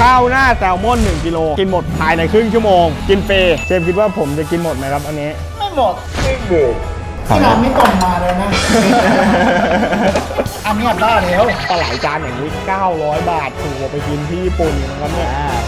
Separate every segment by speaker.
Speaker 1: ข้าวหน้าแซลมอน1 กิโลกินหมดภายในครึ่งชั่วโมงกินฟรีเชฟคิดว่าผมจะกินหมดไหมครับอันนี้
Speaker 2: ไม่หมดที่ร้านไม่ก่อนมาเลยนะ อันนี้ได้แล้ว
Speaker 1: ปลาไหลจานอย่างนี้900 บาทถูกกว่าไปกินที่ญี่ปุ่นนะครับเนี่ย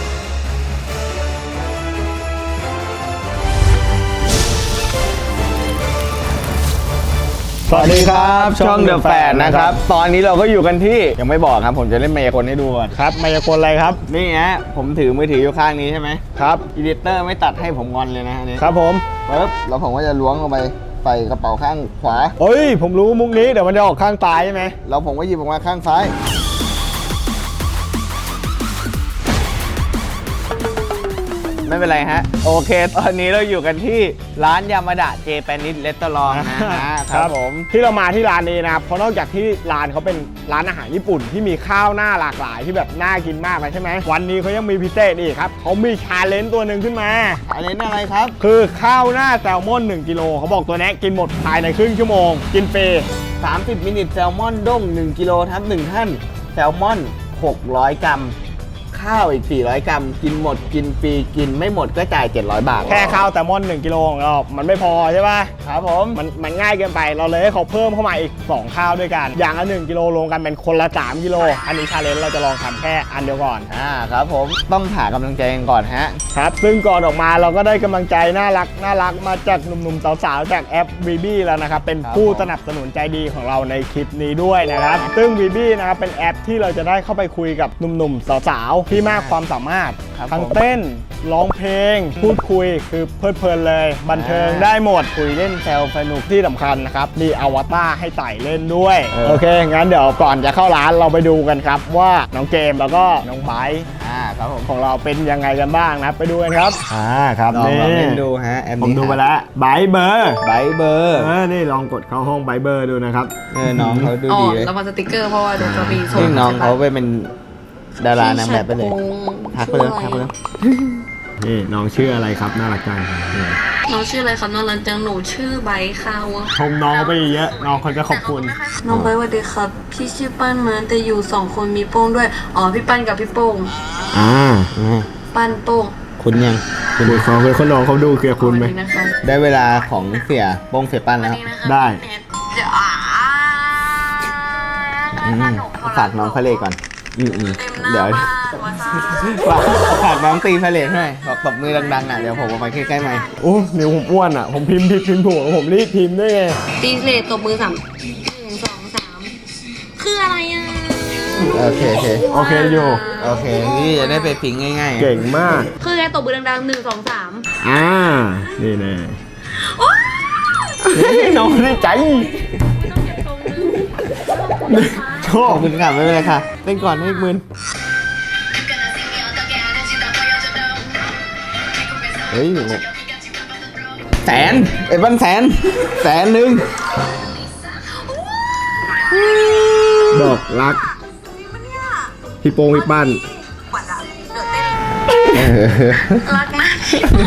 Speaker 1: สวัสดีครับช่องเดอะแฟนนะครับตอนนี้เราก็อยู่กันที่ยังไม่บอกครับผมจะเล่นมายากลให้ดูก่อนครับมายากลอะไรครับนี่ฮะผมถือมือถืออยู่ข้างนี้ใช่ไหมครับอีดิเตอร์ไม่ตัดให้ผมงอนเลยนะอันนี้ครับผมปึ๊บแล้วผมก็จะล้วงลงไปใส่กระเป๋าข้างขวาเฮ้ยผมรู้มุกนี้เดี๋ยวมันจะออกข้างซ้ายใช่ไหมแล้วผมก็หยิบออกมาข้างซ้ายไม่เป็นไรฮะโอเคตอนนี้เราอยู่กันที่ร้านยามาดะเจแปนิสเรสตอรองนะครับผมที่เรามาที่ร้านนี้นะครับเพราะนอกจากที่ร้านเขาเป็นร้านอาหารญี่ปุ่นที่มีข้าวหน้าหลากหลายที่แบบน่ากินมากเลยใช่ไหมวันนี้เขายังมีพิเศษอีกครับเขามีชาเลนจ์ตัวหนึ่งขึ้นมาชาเลนจ์อะไรครับคือข้าวหน้าแซลมอน1 กิโลเขาบอกตัวนี้กินหมดภายในครึ่งชั่วโมงกินฟรี30 มินิแซลมอนด้ง1 กิโลทับ1ท่านแซลมอน600 กรัมข้าวอีก400 กรัมกินหมดกินฟรีกินไม่หมดก็จ่าย700 บาทแค่ข้าวแซลมอน1 กิโลของเรามันไม่พอใช่ป่ะครับผมมันง่ายเกินไปเราเลยให้เขาเพิ่มเข้ามาอีก2ข้าวด้วยกันอย่างละ1 กิโลรวมกันเป็นคนละ3 กิโลอันนี้ชาเลนจ์เราจะลองทำแค่อันเดียวก่อนครับผมต้องหากำลังใจกันก่อนฮะครับซึ่งก่อนออกมาเราก็ได้กำลังใจน่ารักมาจากหนุ่มๆสาวๆจากแอป VB แล้วนะครับเป็นผู้สนับสนุนใจดีของเราในคลิปนี้ด้วยนะครับซึ่ง VB นะครับเป็นแอปที่เราจะได้เข้าไปคุยกับหนุ่มๆสาวๆที่มากความสามารถทั้งเต้นร้องเพลงพูดคุยคือเพลิดเพลินเลยบันเทิงได้หมดคุยเล่นแซวสนุกที่สำคัญนะครับมีอวตารให้ไต่เล่นด้วยโอเคงั้นเดี๋ยวก่อนจะเข้าร้านเราไปดูกันครับว่าน้องเกมแล้วก็น้องไบร์ทครับผมของเราเป็นยังไงกันบ้างนะไปดูกันครับครับนี่เล่นดูฮะผมดูไปแล้วไบร์ทเบอร์นี่ลองกดเข้าห้องไบร์ทเบอร์ดูนะครับน้องเขาดูดีเลย
Speaker 3: เรามาสติ๊กเกอร์เพราะว่าเดี๋ยวจะมีส่ง
Speaker 1: น้องเขาไปเป็นดารานางแบบไปเลยทักไปเลยนี่น้องชื่ออะไรครับน่ารักจัง
Speaker 3: น้องชื่ออะไรครับน้องรันจังหนูชื่อไบค์ค่ะ
Speaker 1: ชมน้องไปเยอะน้องเขาจะขอบคุณ
Speaker 3: น้องไบค์สวัสดีครับพี่ชื่อปั้นมาแต่อยู่2 คนมีโป้งด้วยอ๋อพี่ปั้นกับพี่โป้งปั้นโป้ง
Speaker 1: คุณยังคุณเขาเป็นคนน้องเขาดูเกลียดคุณไหมได้เวลาของเสียโป้งเสียปั้นแล้วได้ฝากน้องพะเลก่อนเดี๋ยวฝากน้องตีพะเลให้บอกตบมือดังๆเดี๋ยวผมเอาไปใกล้ๆไหมโอ้เดี๋ยวผมอ้วนผมพิมพ์ผิดพิมพ์ถูกผมรีบพิมพ์ได้ไง
Speaker 3: ตีเลตตบมือ3 1 2 3คืออะไร
Speaker 1: โอเคอยู่โอเคนี่จะได้ไปพิงง่ายๆเก่งมาก
Speaker 3: คือไงตบมือดังๆ1 2
Speaker 1: 3นี่แน่น้องได้ใจชอบคุณค่ะไม่เป็นไรค่ะเล่นก่อนให้อีกมื่นเฮ้ย100,000100,000บอกรักพี่โป้งพี่ปั้น
Speaker 3: รักนะ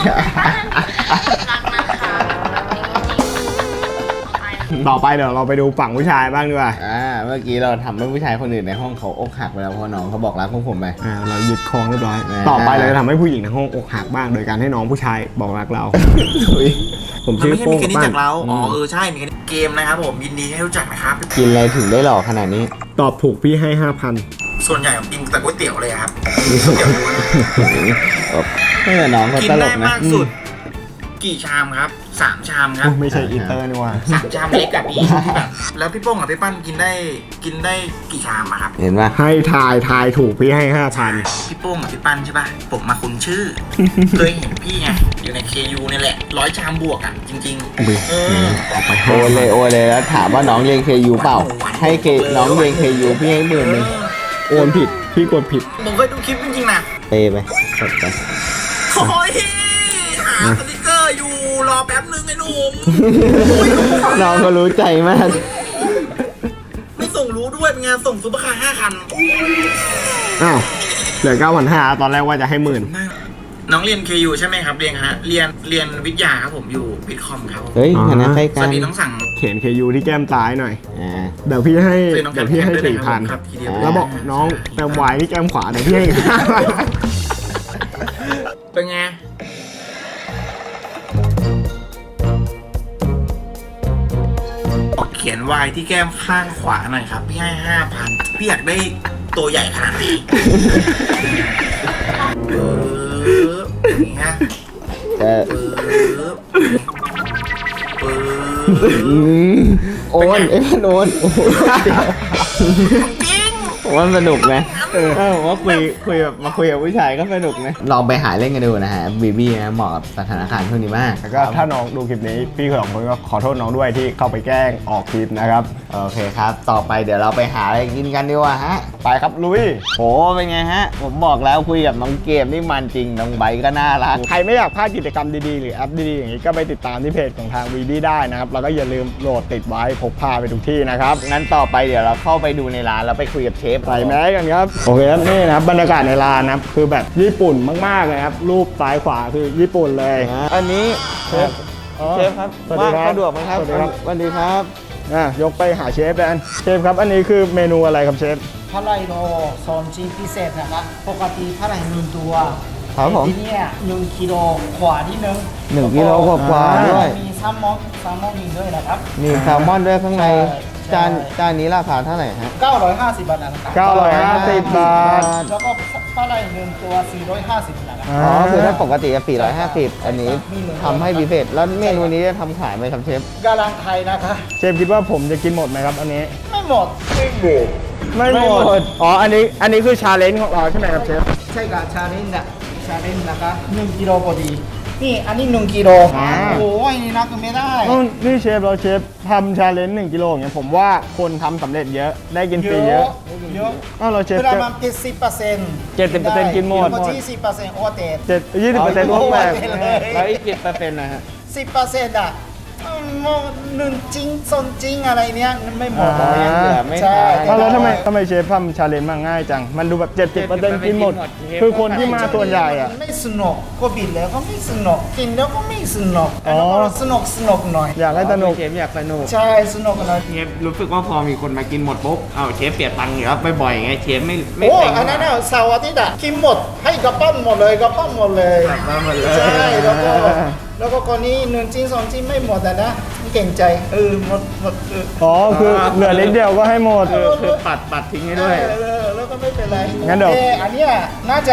Speaker 1: ต่อไปเดี๋ยวเราไปดูฝั่งผู้ชายบ้างดีกว่าเมื่อกี้เราทำให้ผู้ชายคนอื่นในห้องเขาอกหักไปแล้วเพราะน้องเขาบอกรักพวกผมไปเราหยุดคล้องเรียบร้อยต่อไปเราจะทำให้ผู้หญิงในห้องอกหักบ้างโดยการให้น้องผู้ชายบอกรักเราผมชื่อโป้งปั้น
Speaker 2: เราใช่มีเกมนะครับผมยินดีให้รู้จักนะครับ
Speaker 1: กินอะไรถึงได้หล่อขนาดนี้ตอบถูกพี่ให้ 5,000
Speaker 2: ส่วนใหญ่ผมกินแต่ก๋วยเตี๋ยวเลยครับ
Speaker 1: ไม่แต่น้องเขาตลกนะ
Speaker 2: กี่ชามครับ3 ชามครับ
Speaker 1: ไม่ใช่อินเตอร์นี่ว่า
Speaker 2: 3 ชามเล็กกับพี่แล้วพี่โป้งกับพี่ปั้นกินได้กี่ชามครับ
Speaker 1: เห็นป่ะให้ทายถูกพี่ให้ 5,000
Speaker 2: พี่โป้งกับพี่ปั้นใช่ป่ะผมมาคุ้นชื่อเคยเห็นพี่ไงอยู่ใน KU นี่แหละ100 ชามบวกจริงๆ
Speaker 1: เอาไปโอเลยแล้วถามว่าน้องเรียน KU เปล่าให้น้องเรียน KU พี่ให้10,000โอนผิดพี่กดผิด
Speaker 2: ผมเคยดูคลิปจริงๆนะ
Speaker 1: ไปกดไป
Speaker 2: โอ้ยหาสติ๊กเกอร์อยู่รอแป๊บนึงไอ้หนุ่ม
Speaker 1: น้องก็รู้ใจมาก
Speaker 2: ไม่ส่งรู้ด้วยเป็นงานส่งซุปเปอร์คาร์5 คัน
Speaker 1: เหลือ 9,500ตอนแรกว่าจะให้10,000
Speaker 2: น้องเรียน KU ใช่ไหมครับเรียนฮะเรียนวิทยาครับผมอยู่วิทย์คอมครับผม
Speaker 4: เฮ้ยคณะใกล้
Speaker 2: ส
Speaker 4: กั
Speaker 2: วัน สดีต้องสั่ง
Speaker 1: เขียน KU ที่แก้มซ้ายหน่อย
Speaker 4: อ่า
Speaker 1: เดี๋ยวพี่ให้
Speaker 2: ซื้อน้องแค
Speaker 1: เดี๋ย
Speaker 2: ม
Speaker 1: วพี่ให้
Speaker 2: ด้วยนะครั
Speaker 1: 4,000
Speaker 2: ครับทีเดียว
Speaker 1: แล้วบอกน้องเติมวายที่แก้มขวาเดี๋ยวพี่ให้
Speaker 2: เป็นไงเขียนวายที่แก้มข้างขวาหน่อยครับพี่ให้ 5,000พี่อยากได้ตัวใหญ่ขนาดนี้อย่างเงี้ย
Speaker 4: เออ
Speaker 2: ปึ๊บ
Speaker 4: โอนเอ้ยมันโอนโอ้โหเดี๋ยว
Speaker 2: จริง
Speaker 4: ผมว่ามันสนุกไหม
Speaker 1: ผมว่าคุยแบบมาคุยกับผู้ชายก็สนุกนะ
Speaker 4: ลองไปหาเล่นกันดูนะฮะบีบี้นะเหมาะกับสถานการณ์ช่วงนี้มาก
Speaker 1: แล้วก็ถ้าน้องดูคลิปนี้พี่สองคนก็ขอโทษน้องด้วยที่เข้าไปแกล้งออกคลิปนะครับ
Speaker 4: โอเคครับ ต่อไปเดี๋ยวเราไปหาอะไรกินกันดีกว่าฮะ
Speaker 1: ไปครับลุย
Speaker 4: โหเป็นไงฮะ ผมบอกแล้วคุยกับน้องเกมนี่มันจริงน้องไบร์ทก็น่ารัก
Speaker 1: ใครไม่อยากพลาดกิจกรรมดีๆ หรือแอปดีๆ อย่างนี้ก็ไปติดตามที่เพจของทางวีดีได้นะครับ แล้วก็อย่าลืมโหลดติดไว้พกพาไปทุกที่นะครับ
Speaker 4: งั้นต่อไปเดี๋ยวเราเข้าไปดูในร้านแล้วไปคุยกับเชฟ
Speaker 1: ใส่แมสกันครับ โอเคครับนี่นะครับบรรยากาศในร้านนะครับคือแบบญี่ปุ่นมากๆเลยครับ รูปซ้ายขวาคือญี่ปุ่นเลย
Speaker 4: อันนี้เชฟ
Speaker 1: อ๋อ
Speaker 4: เชฟครับ
Speaker 1: สวัสดี
Speaker 4: ว่าง
Speaker 1: ครับ
Speaker 4: สะดวกไหมครับ
Speaker 1: สวัสดีครับ
Speaker 4: สวัสดีครับ
Speaker 1: ยกไปหาเชฟแดนเชฟครับอันนี้คือเมนูอะไรครับเชฟ
Speaker 5: พาไลโรโซนชิ้นพิเศษนะครับปกติพาไลหนึ่งตัว
Speaker 4: ครับผม
Speaker 5: ที่เนี่ย1 กิโลกว่านิดนึง
Speaker 4: 1 กิโลกว่าๆด้วย
Speaker 5: มีแซลมอนอีกด้วยนะครับ
Speaker 4: มีแซลมอนด้วยข้างใน
Speaker 5: ใช่
Speaker 4: จานนี้ราคาเท่าไหร่ฮะ
Speaker 5: 950 บาทนะครับ
Speaker 1: 950 บาท
Speaker 5: แล้วก็พาไลหนึ่งตัว 450 นะครับ
Speaker 4: อ๋อคือถ้าปกติจะ450 อันนี้ทำให้พิเศษแล้วเมนูนี้จะทำขายไหมครับเชฟ
Speaker 5: กาลังไทยนะคะ
Speaker 1: เชฟคิดว่าผมจะกินหมดไหมครับอันนี้
Speaker 5: ไม่หมด
Speaker 1: ไม่หมด อ๋อ อันนี้คือชาเลนจ์ของเราใช่ไหมครับเชฟ
Speaker 5: ใช่กับชาเลนจ์นะคะ1 กิโลพอดี นี่อันนี้1 กิโล
Speaker 1: อ่า
Speaker 5: โอ้ยนี่นะก็ไม่ได้
Speaker 1: นี่เชฟเราเชฟทำชาเลนจ์1 กิโลอย่างเงี้ยผมว่าคนทำสำเร็จเยอะได้กินฟรีเยอะ
Speaker 5: เยอะ
Speaker 1: เราเชฟ
Speaker 5: ประ
Speaker 1: ก็
Speaker 5: มาณ70%
Speaker 1: 70%กินหมด
Speaker 5: 20%โอเตด
Speaker 1: 20%พวกแบบ
Speaker 4: แล้วอีก10%นะฮะ
Speaker 5: 10%อ่ะหนึ่งจริงซนจริงอะไรเนี้ยไม่หมด
Speaker 4: อ๋อยังเหลือไม่
Speaker 5: ใช่
Speaker 4: ทัน
Speaker 1: แล้วทำไมเชฟทำชาเลนจ์มาง่ายจัง มันดูแบบ70%กินหมด คือคนที่มาส่วนใหญ่อะ
Speaker 5: ไม่สนุกก็บิดแล้วก็ไม่สนุกกินแล้วก็ไม่สนุก
Speaker 1: อ๋อ
Speaker 5: แล้วก็สนุกหน่อย
Speaker 1: อยากให้สนุก
Speaker 4: เชฟอยากสนุก
Speaker 5: ใช่สนุกหน่อย
Speaker 4: เชฟรู้สึกว่าพอมีคนมากินหมดปุ๊บเอาเชฟเปลี่ยนตังค์อยู่แล้วบ่อยๆไงเชฟไม่
Speaker 5: โอ้
Speaker 4: เต็ง
Speaker 5: อันนั้นน่ะเสาร์อาทิตย์อ่ะกินหมดให้กระปั้นหมดเลยกระปั้นหมดเลย
Speaker 4: กลับมาหมดเลย
Speaker 5: ใช่แล้วก็คนนี้หนึ่งชิ้น2 ชิ้นไม่หมดอ่ะนะเก่งใจหมด
Speaker 1: อ๋อ คือเหลือนิดเดียวก็ให้หมด
Speaker 4: คือปัดทิ้งให้ด้วย
Speaker 5: แล้วก็ไม่เป็นไร
Speaker 1: งั้นเดี๋ยว
Speaker 5: อันเนี้ยน่าจะ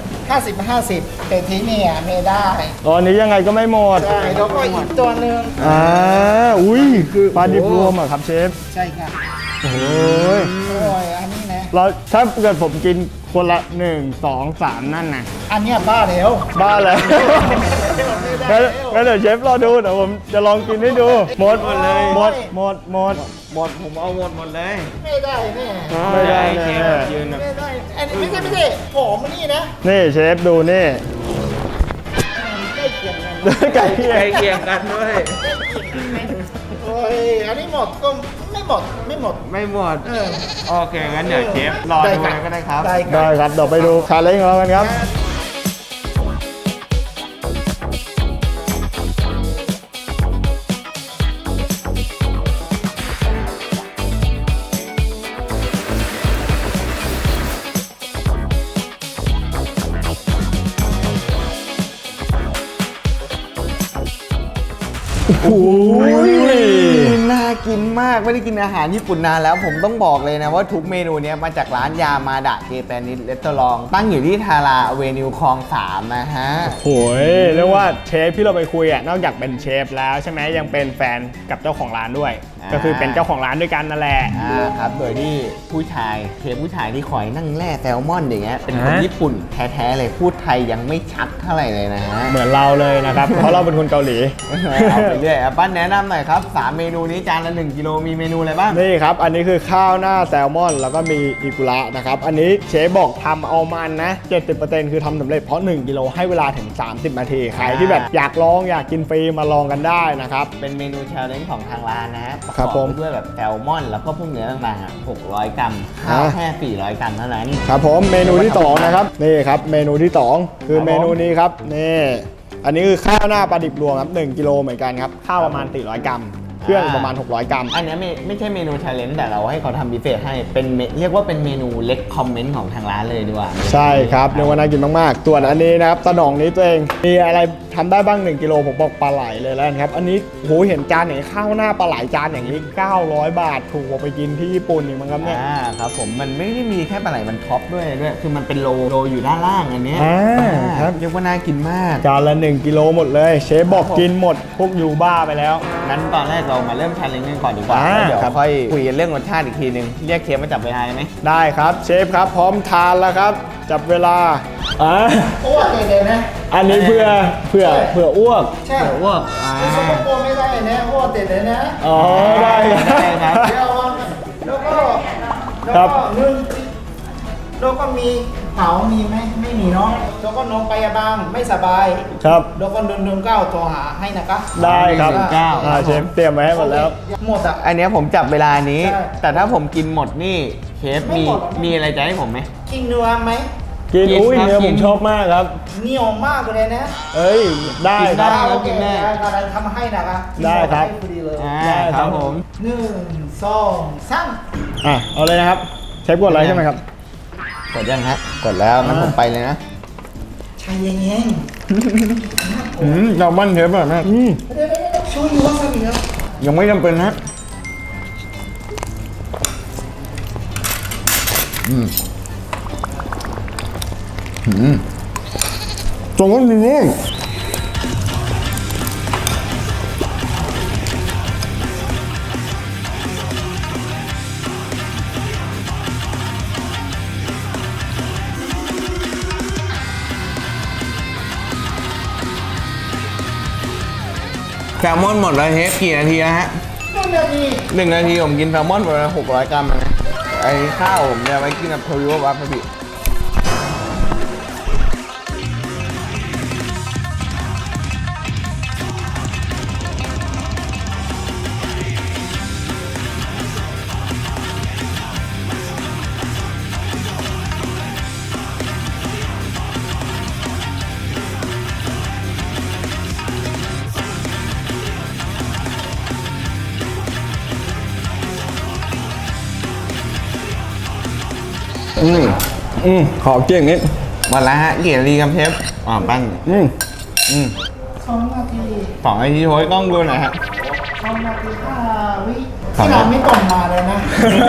Speaker 5: 50-50 แต่ที่เนี่ยไม่ได้
Speaker 1: อ๋ออันนี้ยังไงก็ไม่หมด
Speaker 5: ใช่แล้วก็อีกตัวหนึ่ง
Speaker 1: อุ้ยปลาดิบรวมเหรอครับเชฟ
Speaker 5: ใช่ค่ะ
Speaker 1: โอ้ย
Speaker 5: โอ้ยอันนี้นะ
Speaker 1: เราถ้าเกิดผมกินคนละ1 2 3นั่นนะ
Speaker 5: อันเนี้ยบ้าแล้ว
Speaker 1: บ้าเลย
Speaker 5: ไม่ได้
Speaker 1: งั้นเดี๋ยวเชฟรอดูเดี๋ยวผมจะลองกินให้ดู หมดเลย หมด
Speaker 4: ผมเอาหมดเลย
Speaker 5: ไม่ได้แน่
Speaker 1: ไม่ได้
Speaker 4: เช
Speaker 1: แน่
Speaker 4: ฟยืนแบบ
Speaker 5: ไม่ได้อันนี้ไม่ใช่หอมมันนี่นะ
Speaker 1: นี่เชฟดูนี่
Speaker 5: ใกล้เคียงกัน
Speaker 1: ไก่เคี่ย
Speaker 4: ใกล้เคียงกันด้วย
Speaker 5: โอ้ยอันนี้หมดก็ไม่หมด
Speaker 4: ไม่หมด
Speaker 5: เออ
Speaker 4: โอเคงั้นเดี๋ยวเชฟรอดูเลยก็ได้ครับ
Speaker 5: ได้
Speaker 1: ได้ครับ เดี๋ยวไปดูชาเลนจ์ของเรากันครับ โอ้ย
Speaker 4: น่ากินมากไม่ได้กินอาหารญี่ปุ่นนานแล้วผมต้องบอกเลยนะว่าทุกเมนูเนี้ยมาจากร้านยามาดะเจแปนิสเรสตอรองตั้งอยู่ที่ทาราอเวนิวคลอง 3 นะฮะ
Speaker 1: โหยเรียกว่าเชฟที่เราไปคุยอ่ะนอกจากเป็นเชฟแล้วใช่ไหมยังเป็นแฟนกับเจ้าของร้านด้วย ก็คือเป็นเจ้าของร้านด้วยกันนั่นแหละ
Speaker 4: ครับโดยที่ผู้ชายเชฟผู้ชายที่คอยนั่งแล่แซลมอนอย่างเงี้ยเป็นคนญี่ปุ่นแท้ๆเลยพูดไทยยังไม่ชัดเท่าไหร่เลยนะฮะ
Speaker 1: เหมือนเราเลยนะครับ เพราะเราเป็นคนเกาหลี
Speaker 4: เอาไปเรื่อยปั้นแนะนำหน่อยครับ3เมนูนี้จานละ1 กิโลมีเมนูอะไรบ้าง
Speaker 1: นี่ครับ อันนี้คือข้าวหน้าแซลมอน แล้วก็มีอิกุระนะครับ อันนี้เชฟบอกทำเอามันนะ 70%คือทำสำเร็จเพราะ 1 กิโลให้เวลาถึง 30 นาที ใครที่แบบอยากลองอยากกินฟรีมาลองกันได้นะครับ
Speaker 4: เป็นเมนูชาเลนจ์ของทางร้านนะฮะ
Speaker 1: ครับผม
Speaker 4: ประกอด้วยแบบแซลมอนแล้วก็พวกเนื้อต่างๆ600 กรัมข้าวแค่400 กรัมเท่านั้น
Speaker 1: ครับผมเมนูที่2นะครับนี่ครับเมนูที่2คือเมนูนี้ครับนี่อันนี้คือข้าวหน้าปลาดิบรวมครับ1กิโลเหมือนกันครับข้าวประมาณ400 กรัมเครื่องประมาณ600 กรัม
Speaker 4: อันนี้ไม่ใช่เมนูชาเลนจ์แต่เราให้เขาทำพิเศษให้เป็นเรียกว่าเป็นเมนูเล็กคอมเมนต์ของทางร้านเลยดีกว่า
Speaker 1: ใช่ครับเนื้อว่าน่ากินมากๆส่วนอันนี้นะครับตะหน่องนี้ตัวเองมีอะไรทำได้บ้าง1กิโลผมบอกปลาไหลเลยแล้วกันครับอันนี้โหเห็นจานอย่างนี้ข้าวหน้าปลาไหลจานอย่างนี้900 บาทถูกกว่าไปกินที่ญี่ปุ่นอีกมั้งครับเนี่ย
Speaker 4: ครับผมมันไม่ได้มีแค่ปลาไหลมันท็อปด้วยคือมันเป็นโลอยู่ด้านล่างอันเนี้ย
Speaker 1: ครับ
Speaker 4: เรียกว่าน่ากินมาก
Speaker 1: จานละ1กิโลหมดเลยเชฟบอกกินหมดพวกยูบ้าไปแล้ว
Speaker 4: งั้นตอนแรกเรามาเริ่มชาเลนจ์กันก่อนดีกว่าแล้วเดี๋ยว
Speaker 1: ครับ
Speaker 4: ค่อยคุยกันเรื่องรสชาติอีกทีนึงเรียกเชฟมาจับเวลาไหม
Speaker 1: ได้ครับเชฟครับพร้อมทานแล้วครับจับเวลา
Speaker 5: อ้วกเลยนะ
Speaker 1: อันนี้เพื่ออ้วก
Speaker 5: ใช่
Speaker 4: เดี๋ยวอ้วก
Speaker 5: ไม่ใช่พวกไม่ได้นะอ้วกเด็ดเลยนะ
Speaker 1: อ๋อได้ครับ
Speaker 4: ได้ครับ
Speaker 5: เดี๋ยวแล้วก็
Speaker 1: ครับ
Speaker 5: นึ่งแล้วก็มีเผามีไหมไม่มีเนาะแล้วก็น้องไปยาบางไม่สบาย
Speaker 1: ครับ
Speaker 5: แล้วก็119โทรหาให้นะคะ
Speaker 1: ได้ครับ
Speaker 4: 119
Speaker 1: เชฟเตรียมไว้ให้หมดแล้ว
Speaker 5: หมดอ่ะ
Speaker 4: อันเนี้ยผมจับเวลานี้
Speaker 5: ใช่
Speaker 4: แต่ถ้าผมกินหมดนี่เชฟ
Speaker 5: ไม่หมดหรอก
Speaker 4: มีอะไรจะให้ผมไหม
Speaker 5: กินเนื้อไหม
Speaker 1: กิน
Speaker 4: กิน
Speaker 1: อุ้ย
Speaker 4: ครับ
Speaker 1: เนื้อผ
Speaker 4: กิ
Speaker 1: ม
Speaker 4: น
Speaker 1: ชอบมากครับ
Speaker 5: เหนียวมากเลยนะ
Speaker 1: เอ้ยได้
Speaker 4: กิน
Speaker 1: ค
Speaker 4: ได้
Speaker 1: รับ
Speaker 5: โอเค
Speaker 4: กินได้
Speaker 5: ได้ทำให้นะคะ
Speaker 1: ได้ครับ
Speaker 5: ให้พอดีเลย
Speaker 1: ได้ครับ
Speaker 4: ผม
Speaker 5: 1 2 3
Speaker 1: เอาเลยนะครับเชฟกดอะไรใช่ไหมครับ
Speaker 4: กดยังฮะกดแล้วงั้นผมไปเลยนะ
Speaker 5: ชายเย็น
Speaker 4: แซลมอนเชฟแบบนั้น
Speaker 5: ๆเดี๋ยวช่วยยูวาซาบิครับ
Speaker 4: ยังไม่จำเป็นนะตรงนั้นมีนี่แซลมอนหมดแล้วเชฟกี่นาทีแล้วฮะ
Speaker 5: 1 นาที
Speaker 4: 1 นาทีผมกินแซลมอนไปแล้ว600 กรัมนะไอ้ข้าวผมเนี่ยไว้กินกับโทริโอวาซาบิ
Speaker 1: ขอเกี่ยงนิด
Speaker 4: หมดแล้วฮะกี่นาทีครับเชฟปั้น
Speaker 5: 2 นาที
Speaker 4: 2 นาทีโอ้ยกล้องดูหน่อยฮะ
Speaker 5: 2 นาที 5 วิ
Speaker 4: สอง
Speaker 5: ที่
Speaker 4: นาที
Speaker 5: เราไม่ต้องมาเลยนะ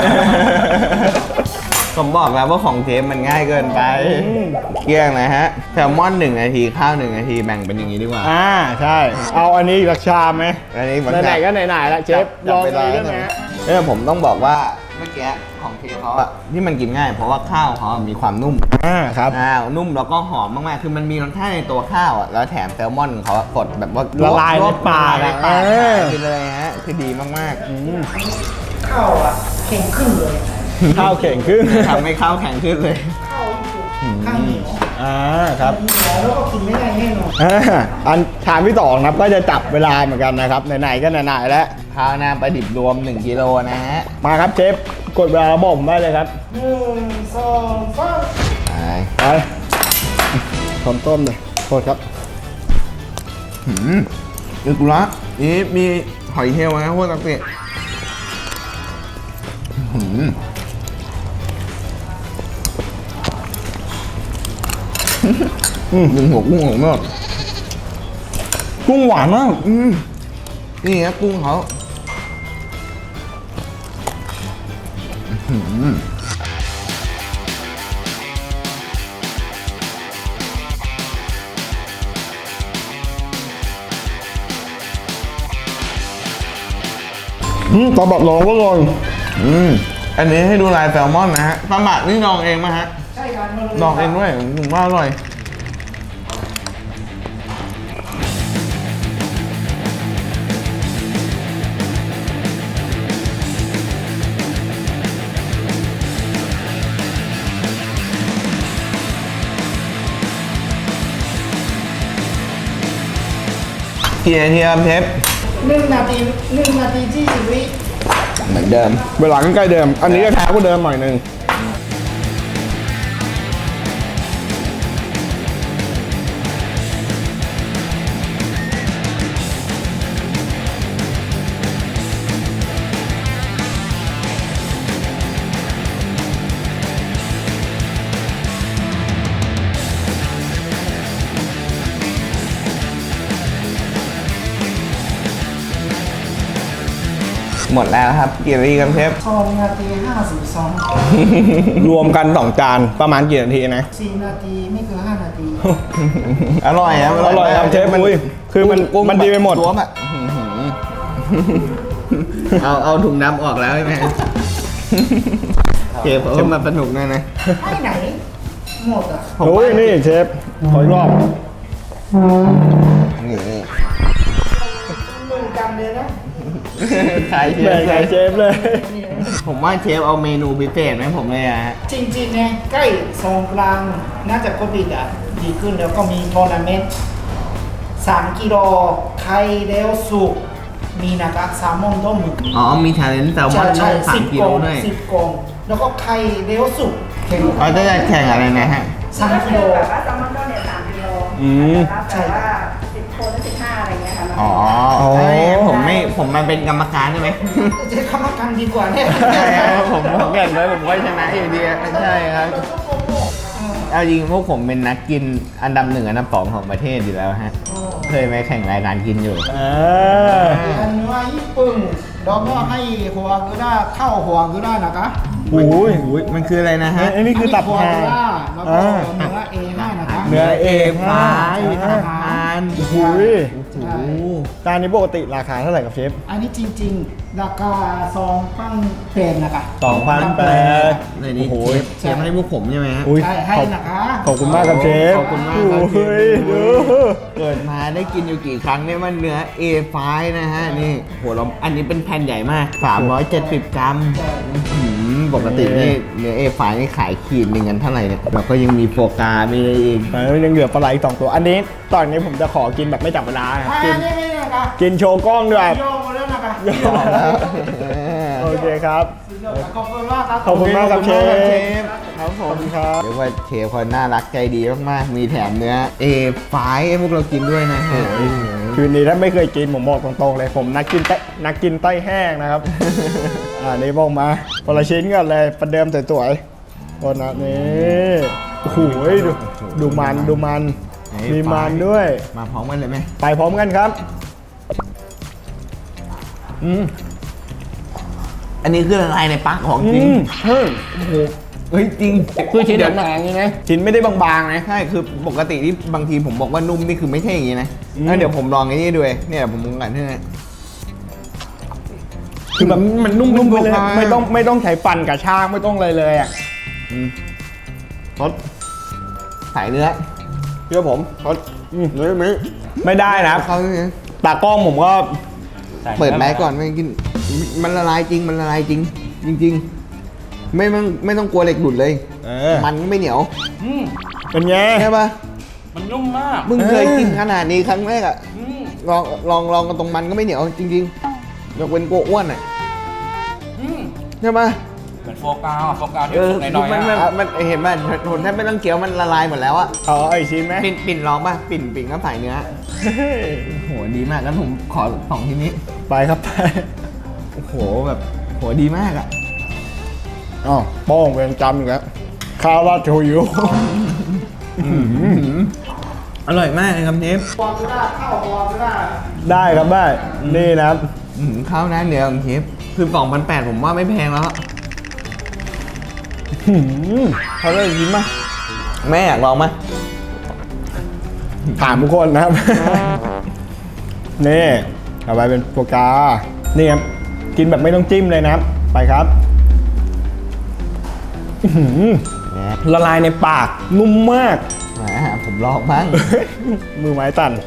Speaker 4: ผมบอกแล้วว่าของเชฟมันง่ายเกินไปเกลี้ยงนะฮะแซลมอน1 นาทีข้าว1 นาทีแบ่งเป็นอย่างนี้ดีกว่า
Speaker 1: ใช่เอาอันนี้อีกสักชามไหม
Speaker 4: อันนี้
Speaker 1: ไหนๆก็ไหนๆละเชฟลองเลยได้ไหมฮะ
Speaker 4: ผมต้องบอกว่าเมื่อกี้ของเชฟเขาอะที่มันกินง่าย เพราะว่าข้าวเขามีความนุ่ม
Speaker 1: ครับ
Speaker 4: นุ่มแล้วก็หอมมากๆคือมันมีรสชาติในตัวข้าวอะแล้วแถมแซลมอนของเขาอะกดแบบว่า
Speaker 1: ละลายในปาก
Speaker 4: ละลายในปาก
Speaker 1: เออ
Speaker 4: ไปเลยฮะคือดีมาก
Speaker 5: ข้าวอ่ะแข็งขึ้นเลย
Speaker 1: ข้าวเข่งขึ้น
Speaker 4: ๆทำให้ข้าวแข็งขึ้นเลย
Speaker 5: ข้าวข้างเหนียว
Speaker 1: ครับ
Speaker 5: เหนียวแล้วก็กินไม่ได้แน่นอน
Speaker 1: อันชามที่2ครับก็จะจับเวลาเหมือนกันนะครับไหนๆก็ไหนๆแล้ว
Speaker 4: ข้าวหน้าปลาดิบรวม1 กิโลนะฮะ
Speaker 1: มาครับเชฟกดเวลาบอกผมได้เลยครับ
Speaker 5: 1 2 3
Speaker 1: ไปพร้อมต้มเลยโทษครับ
Speaker 4: อึกละนี่มีหอยเชลล์นะพวกตะเกียบดึงหัวกุ้งของนอก
Speaker 1: กุ้งหวานมาก
Speaker 4: นี่ฮะกุ้งเขา
Speaker 1: ตอบัดรองก็ลอย
Speaker 4: อันนี้ให้ดูลายแซลมอนนะฮะปลาหมักนี่ดองเองไหมฮะ
Speaker 5: ใช่กัน
Speaker 4: ดองเองด้วยผมว่าอร่อย กี่นาทีครับเชฟ
Speaker 5: 1 นาที 1 นาที20 วิ
Speaker 4: เหมือนเดิม
Speaker 1: เวลาใกล้ๆเดิม อันนี้จะแท้กว่าเดิมหน่อยนึง
Speaker 4: หมดแล้วครับกี่นาทีครับเชฟ
Speaker 5: 2 นาที 52
Speaker 1: รวมกัน2 จานประมาณกี่นาทีนะ
Speaker 5: 4 นาทีไม่เกิน5 นาที
Speaker 4: อร่อยครับ
Speaker 1: อร่อยครับเชฟอุ้ยคือมันดีไปหมด
Speaker 4: ตัวแบบเอาถุงดำออกแล้วใช่ไหมเชฟเขามาสนุกหน่อยนะ
Speaker 5: ไปไหน หมดอ่ะ
Speaker 1: โอ้ยนี่เชฟขออีกรอบ
Speaker 4: นี่
Speaker 5: มึงกันเลยนะ
Speaker 4: ขายเช
Speaker 1: แบ่
Speaker 4: ฟ
Speaker 1: งกับเชฟเลย
Speaker 4: ผมว่าเชฟเอาเมนูพิเศษไหมผมเลยอะฮะ
Speaker 5: จริงๆเนี่ยใกล้สงกรานต์น่าจะโควิดอ่ะดีขึ้นแล้วก็มีทัวร์นาเมนต์3 กิโลไข่เลี้ยวสุกมีนะครับแซลมอนต้มหมึก
Speaker 4: อ๋อมีชาเลนจ์แซลมอนต้
Speaker 5: ใช่
Speaker 4: อง
Speaker 5: 10
Speaker 4: 3 กิ
Speaker 5: ก
Speaker 4: โล
Speaker 5: ล่อง
Speaker 4: ด้วย
Speaker 5: 10 กล่องแล้วก็ไข่เลี้ยวสุกแข่ง
Speaker 4: เขาจะแข่งอะไรนะฮะ
Speaker 5: 3 กิโล
Speaker 6: แบบว่าแซลมอนต้นเนี่ย3 กิโล
Speaker 5: ใช่
Speaker 6: แต่ว่า10 คนหรือ15 อะไรเงี้ยค่ะ
Speaker 4: อ๋อผมมาเป็นกรรมการได้ไหม
Speaker 5: จะเข้ามากันดีกว่าเนี่ย
Speaker 4: ใช่ครับผมแข่งเลยผมก็ชนะอยู่ดีใช่ครับเอาจริงพวกผมเป็นนักกินอันดับ 1 อันดับ 2ของประเทศอยู่แล้วฮะเคยไปแข่งรายการกินอยู่
Speaker 5: อันว่าญี่ปุ่นแล้วก็ให้หัวกุด้าเข้าหัวกุด้านะคะ
Speaker 1: โอ้ย
Speaker 4: มันคืออะไรนะฮะ
Speaker 1: ไอ้นี่คือตับ
Speaker 5: หัว
Speaker 1: ห่า
Speaker 5: กุด้าแล้วก็เนื้อ A5 นะคะ
Speaker 1: เนื้อ
Speaker 4: A5
Speaker 1: อ่า
Speaker 4: ทาน
Speaker 1: โอ้โหจานนี้ปกติราคาเท่าไหร่ครับเชฟ
Speaker 5: อันนี้จริงๆราคา2,800นะคะ
Speaker 1: 2,800
Speaker 4: เลยนี่
Speaker 1: โอ้โห
Speaker 4: เชฟให้พวกผมใช่ไหมฮะ
Speaker 1: อุ้ย
Speaker 5: ใช่ให้นะคะ
Speaker 1: ขอบคุณมากครับเชฟ
Speaker 4: ขอบคุณมากครับเชฟ
Speaker 1: โอ้ยดู
Speaker 4: เกิดมาได้กินอยู่กี่ครั้งเนี่ยมันเนื้อ A5 นะฮะนี่โหเราอันนี้เป็นแผ่นใหญ่มาก 370 กรัมปกตินี่เนื้อ A5 นี่ขายขีดหนึ่งกันเท่าไหร่เนี่ยเราก็ยังมีโฟกามีอะไรอีก
Speaker 1: แล้วยังเหลือปลาไหลอีก2 ตัว อันนี้ตอนนี้ผมจะขอกินแบบไม่จับเวลาครับ
Speaker 5: อั
Speaker 1: กิน
Speaker 5: นนี้ไม่นะคะ
Speaker 1: กินโชว์กล้องด้วย
Speaker 5: โยงมาแล้วนะคะ
Speaker 1: โอเคครับ
Speaker 5: ขอบคุณมากครับ
Speaker 1: ขอบคุณมากครับเชฟ
Speaker 4: ครับผ
Speaker 1: ขอ
Speaker 4: ม
Speaker 1: บคุณครับ
Speaker 4: เรียกว่าเชฟเขาน่ารักใจดีมากๆ มีแถมเนื้อ A5 ให้พวกเรากินด้วยนะฮะ
Speaker 1: คืนนี้ถ้าไม่เคยกินผมบอกตรงๆเลย ผมนักกินไต้แห้งนะครับ นี่บอกมาคนละชิ้นกันเลยประเดิมสวยๆโอ้นะนี่โอ้โหดูมันมีมันด้วย
Speaker 4: มาพร้อมกันเลยไหม
Speaker 1: ไปพร้อมกันครับ
Speaker 4: อันนี้คือละลายในปากของจริง
Speaker 1: เฮ้ย
Speaker 4: เฮ้ยจริง
Speaker 1: คือชิ้นหนาๆอย่างนี้นะชิ้นไม่ได้บางๆนะ
Speaker 4: ใช่คือปกติที่บางทีผมบอกว่านุ่มนี่คือไม่ใช่อย่างนี้นะแล้วเดี๋ยวผมลองไอ้นี่ด้วยเนี่ยผมมุงกันใช่ไหม
Speaker 1: คือแบบมันนุ่มไปเลย
Speaker 4: นุ่มมาก
Speaker 1: ไม่ต้องใช้ฟันกับช่างไม่ต้องอะไรเลยอ่ะ
Speaker 4: รสสายเนื้อ
Speaker 1: เชื่อผมไม่ได้นะ
Speaker 4: เขาเนี่ย
Speaker 1: ตากล้องผมก็
Speaker 4: เปิดแมสก่อนไม่กินมันละลายจริงมันละลายจริง จริง ๆ ไม่ต้องกลัวเหล็กหลุดเลย มันก็ไม่เหนียว
Speaker 1: เป็นไง
Speaker 4: ใช่ปะ
Speaker 7: มันนุ่มมาก
Speaker 4: มึงเคยกินขนาดนี้ครั้งแรกอะลองกันตรงมันก็ไม่เหนียวจริงๆยกเว้นกลัวอ้วนอะใช่ปะ
Speaker 7: เหมือนโฟกาที่สุกหน่อย
Speaker 4: มันเห็นป่ะทนแทบไม่ต้องเคี้ยวมันละลายหมดแล้วอะ
Speaker 1: เอาไอ้ชิ้นไหม
Speaker 4: ปิ่นลองป่ะปิ่นก็ใส่เนื้อโหดีมากงั้นผมขอ2ทีนี้
Speaker 1: ไปครับไป
Speaker 4: โอ้โหแบบโหดีมากอะ
Speaker 1: อ๋อโป้งเวรจำอีกแล้วข้าวราดโชยุ
Speaker 4: อร่อยมากเลยครับเนฟ
Speaker 5: หัวกุด้าเข้าหัวกุด้า
Speaker 1: ได้ครับได้ นี่นะครับ
Speaker 4: ข้าวหน้าเนื้อของเชฟคือ2,800ผมว่าไม่แพงแล้ว
Speaker 1: เขาเลยยิ้มมา
Speaker 4: แม่อยากลองไหม
Speaker 1: ถามทุกคนนะครับ นี่เอาไปเป็นโฟกา นี่ครับ กินแบบไม่ต้องจิ้มเลยนะครับ ไปครับอื้อหือละลายในปาก นุ่มมาก
Speaker 4: แหมผมลองบ้าง
Speaker 1: มือไม้ตัน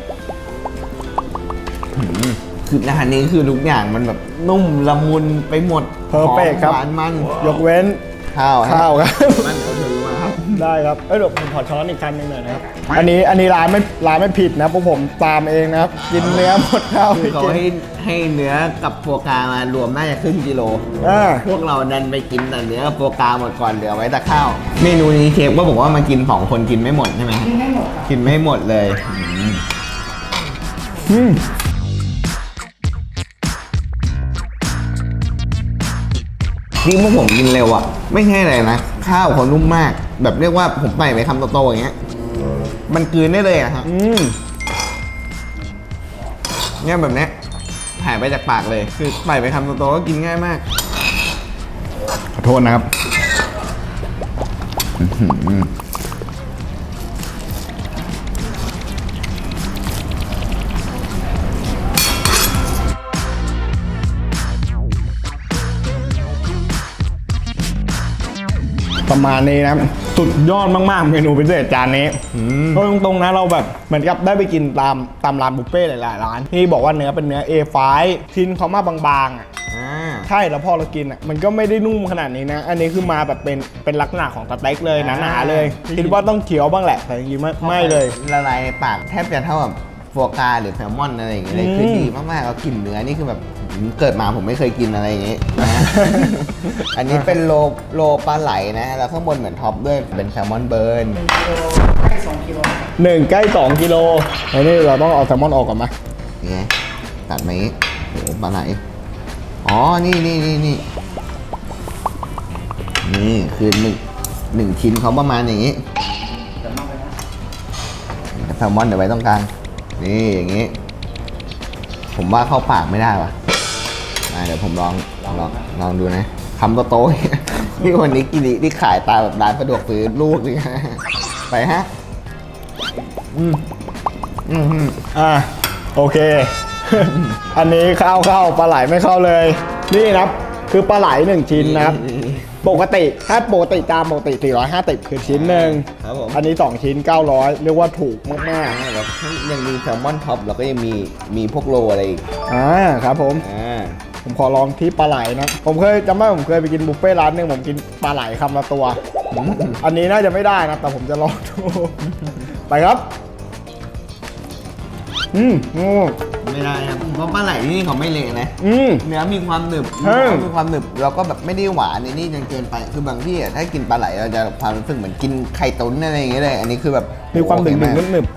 Speaker 4: คืออาหารนี้คือทุกอย่างมันแบบนุ่มละมุนไปหมด
Speaker 1: Perfect ครับ
Speaker 4: หวานมัน
Speaker 1: ยกเว้น
Speaker 4: ข้าว
Speaker 1: ข้าวครับ
Speaker 4: มันเอาเธอมาครับ
Speaker 1: ได้ครับเดี๋ยวผมขอช้อนอีกคันหนึงหน่อยนะครับอันนี้ร้านไม่ผิดนะพวกผมตามเองนะครับกินเนื้อหมดข้าว
Speaker 4: คือเขาให้เนื้อกับโฟกามารวมน่าจะครึ่งกิโล พวกเราดันไปกินแต่เนื้อกับโฟกาหมดก่อนเหลือไว้แต่ข้าว เมนูนี้เชฟก็บอกว่ามากิน2คนกินไม่หมดใช่ไหม
Speaker 5: กินให้หมดครับ
Speaker 4: กินไม่หมดเลย นี่พวกผมกินเร็วอ่ะ ไม่ใช่อะไรนะ ข้าวเขานุ่มมาก แบบเรียกว่าผมใส่ไปคำโตๆอย่างเงี้ย มันกลืนได้เลยอะฮะเนี่ยแบบเนี้ยหายไปจากปากเลย คือใส่ไปคำโตๆก็กินง่ายมาก
Speaker 1: ขอโทษนะครับ ประมาณนี้นะสุดยอดมากๆเมนูพิเศษจานนี้ก็ตรงๆนะเราแบบเหมือนกับได้ไปกินตามร้านบุฟเฟ่ต์หลายๆร้านที่บอกว่าเนื้อเป็นเนื้อ A5 ชิ้นเขามาบางๆอ่ะใช่แล้วพอเรากินอ่ะมันก็ไม่ได้นุ่มขนาดนี้นะ อันนี้คือมาแบบเป็นลักษณะของสเต็กเลยหนาๆเลยคิดว่าต้องเคี้ยวบ้างแหละแต่จริงๆไม่เลย
Speaker 4: ละลายในปากแทบจะเท่ากับโฟกาหรือแซลมอนอะไรอย่างเงี้ยเลยคือดีมากๆเรากลิ่นเนื้อนี่คือแบบเกิดมาผมไม่เคยกินอะไรอย่างงี้นะ อันนี้เป็นโลปลาไหลนะแล้วข้างบนเหมือนท็อปด้วยเป็นแซลมอนเบิร์น
Speaker 5: ใกล้2 กิโล
Speaker 1: 1 ใกล้ 2 กิโลอันนี้เราต้องเอาแซลมอนออกก่อนไหม
Speaker 4: นี่ไงตัดไหมโอ้ปลาไหลอ๋อนี่คือหนึ่งชิ้นเขาประมาณอย่างงี้แซลมอนเดี๋ยวไว้ตรงกลางนี่อย่างงี้ ผมว่าเข้าปากไม่ได้ว่ะเดี๋ยวผมลองดูนะคำโตๆ นี่วันนี้กินนี่ขายตาแบบร้านสะดวกซื้อลูกนี่ไปฮะ
Speaker 1: โอเค อันนี้เข้าปลาไหลไม่เข้าเลย นี่นะครับคือปลาไหล1ชิ้นนะครับปกติถ้าปกติตามปกติ450คือชิ้นหนึ่ง
Speaker 4: ครับผม
Speaker 1: อันนี้2ชิ้น900เรียกว่าถูกมาก
Speaker 4: แล้วยังมีแซลมอนท็อปแล้วก็ยังมีพวกโลอะไรอีก
Speaker 1: ๆครับผมขอลองที่ปลาไหลนะผมเคยจำได้ผมเคยไปกินบุฟเฟ่ต์ร้านหนึงผมกินปลาไหลคำละตัวอันนี้น่าจะไม่ได้นะแต่ผมจะลองดูไปครับ
Speaker 4: ไม่ได้ครับเพราะปลาไหลที่นี่เขาไม่เละนะเนื้อมีความหนึบ
Speaker 1: ใช่
Speaker 4: มีความหนึบแล้วก็แบบไม่ได้หวานในนี่จนเกินไปคือบางที่ถ้ากินปลาไหลเราจะความรู้สึกเหมือนกินไข่ตุ๋นอะไรอย่างเงี้ยเลยอันนี้คือแบบ
Speaker 1: มีความดึง
Speaker 4: โอเคก
Speaker 1: หนึบ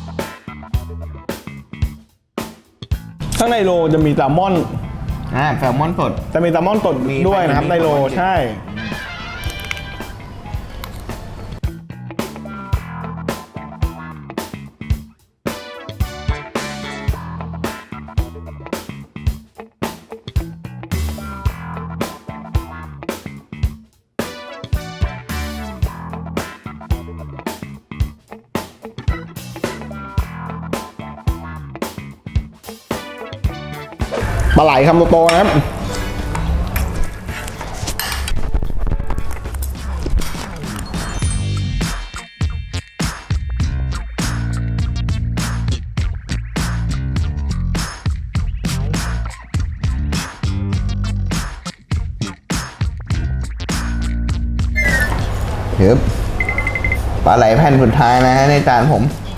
Speaker 1: ข้างในโลจะมีแซลมอน
Speaker 4: แซลมอนสด
Speaker 1: จะมีแซลมอนสดด้วยนะครับในโลใช่ปลาไหลคำโตๆนะครับ
Speaker 4: ปลาไหลแผ่นสุดท้ายนะฮะในจานผม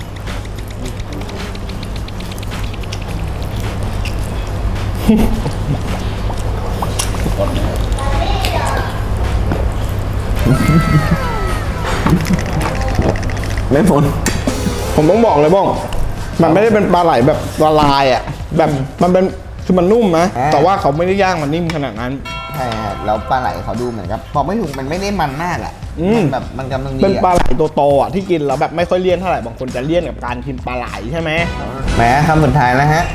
Speaker 4: ไม่ฝน
Speaker 1: ผมต้องบอกเลยบ้องมันไม่ได้เป็นปลาไหลแบบละลายอ่ะแบบมันเป็นคือมันนุ่มนะแต่ว่าเขาไม่ได้ย่างมันนิ่มขนาดนั้น
Speaker 4: ใช่ฮะแล้วปลาไหลเขาดูเหมือนกับบอกไม่ถูกมันไม่ได้มันมากอ่ะมันแบบมันกำลังดี
Speaker 1: เป็นปลาไหลตัวโตอ่ะที่กินแล้วแบบไม่ค่อยเลี่ยนเท่าไหร่บางคนจะเลี่ยนกับการกินปลาไหลใช่ไหม
Speaker 4: แหมคำสุดท้ายแล้วฮะ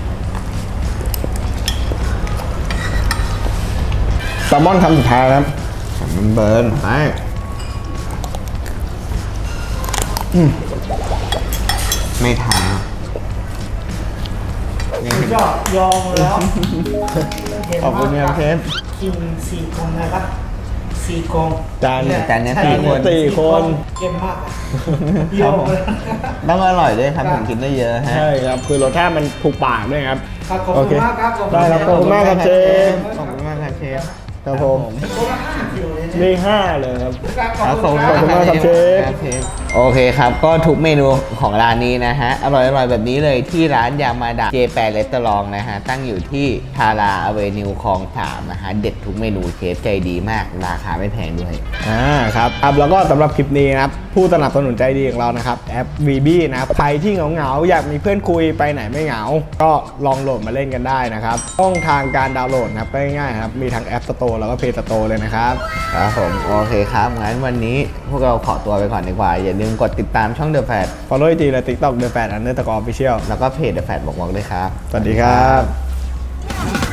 Speaker 1: แซลมอนคำสุดท้ายนะครับ
Speaker 4: มันเบิร์นไปไม่ทาน
Speaker 5: ยอดยอมแล้ว
Speaker 1: ขอบคุณครับเชฟ
Speaker 5: กิน4 คนนะครับ4 คน
Speaker 1: จาน
Speaker 4: เนี้ย
Speaker 1: สี่คน
Speaker 5: เก่งมากยอมเลย
Speaker 4: ต้องอร่อยด้วยครับถึงกินได้เยอะฮะ
Speaker 1: ใช่ครับคือรสชาติมันถูกปากด้วยครับ
Speaker 5: ขอบคุณมากครับ
Speaker 1: ได้ครับขอบคุณมากครับเชฟ
Speaker 4: ขอบคุณมากครับเชฟ
Speaker 1: ครับผม
Speaker 5: คนละ5 กิโลเลย
Speaker 1: นี่5เลยครับ
Speaker 4: ขอบคุณ
Speaker 1: ขอบคุณมากครับเชฟ
Speaker 4: โอเคครับ ก็ทุกเมนูของร้านนี้นะฮะ อร่อยๆแบบนี้เลยที่ร้านยามาดะเจแปนเรสตอรองนะฮะ ตั้งอยู่ที่ทาราอเวนิวคลอง 3 นะฮะ เด็ดทุกเมนูเชฟใจดีมาก ราคาไม่แพงด้วย
Speaker 1: ครับแล้วก็สำหรับคลิปนี้นะครับ ผู้สนับสนุนใจดีของเรานะครับ แอป VB นะครับใครที่เหงาๆอยากมีเพื่อนคุยไปไหนไม่เหงา ก็ลองโหลดมาเล่นกันได้นะครับช่องทางการดาวน์โหลดนะครับก็ง่ายๆครับมีทั้ง App Store แล้วก็ Play Store เลยนะครับ
Speaker 4: ครับผม โอเคครับ งั้นวันนี้พวกเราขอตัวไปก่อนดีกว่า อย่าลืมกดติดตามช่อง The Fat
Speaker 1: Follow IG และ TikTok The Fat _official
Speaker 4: แล้วก็เพจ The Fat บอกด้วยครับ
Speaker 1: สวัสดีครับ